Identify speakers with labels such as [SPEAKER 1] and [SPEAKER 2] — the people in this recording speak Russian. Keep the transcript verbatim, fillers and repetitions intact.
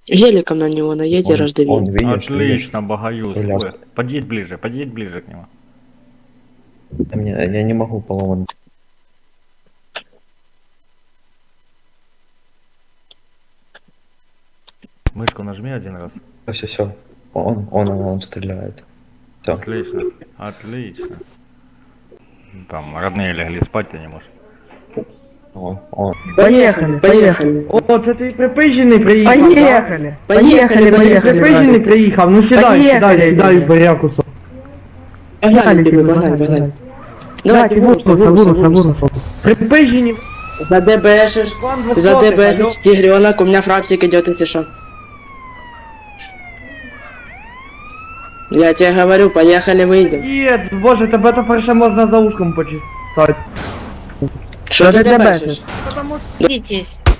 [SPEAKER 1] Геликом на него наедь и
[SPEAKER 2] Он,
[SPEAKER 1] раздави.
[SPEAKER 2] он, видишь, видишь?
[SPEAKER 3] Отлично, Багаюз.
[SPEAKER 2] Коляска.
[SPEAKER 3] Вы- Подъедь ближе, подъедь ближе к нему.
[SPEAKER 2] А мне- я не могу поломать.
[SPEAKER 3] Мышку нажми один раз.
[SPEAKER 2] Все, все. Он, он, он стреляет. Все.
[SPEAKER 3] Отлично, отлично. Там родные легли спать, ты не можешь.
[SPEAKER 2] Он, он.
[SPEAKER 4] Поехали, поехали.
[SPEAKER 5] О, це ти припижений приїхав.
[SPEAKER 4] Поехали. Поехали,
[SPEAKER 5] Ти
[SPEAKER 4] поехали.
[SPEAKER 5] припижений
[SPEAKER 4] братик.
[SPEAKER 5] приїхав, ну сідай,
[SPEAKER 4] Поїхали,
[SPEAKER 5] сідай, я
[SPEAKER 4] сідай.
[SPEAKER 5] даю баряку.
[SPEAKER 1] Погнали, тебе, погнали, погнали. Давайте, вурса, вурса, вурса.
[SPEAKER 5] Припижені.
[SPEAKER 1] За ДБшишь, за ДБшишь, тигренок, у меня фрапсик идет, если что. Я тебе говорю, поехали, выйдем.
[SPEAKER 5] Є, боже, тебе тепер ще можна за ушком почистати.
[SPEAKER 1] Что ты ДБшишь?
[SPEAKER 6] Видитесь.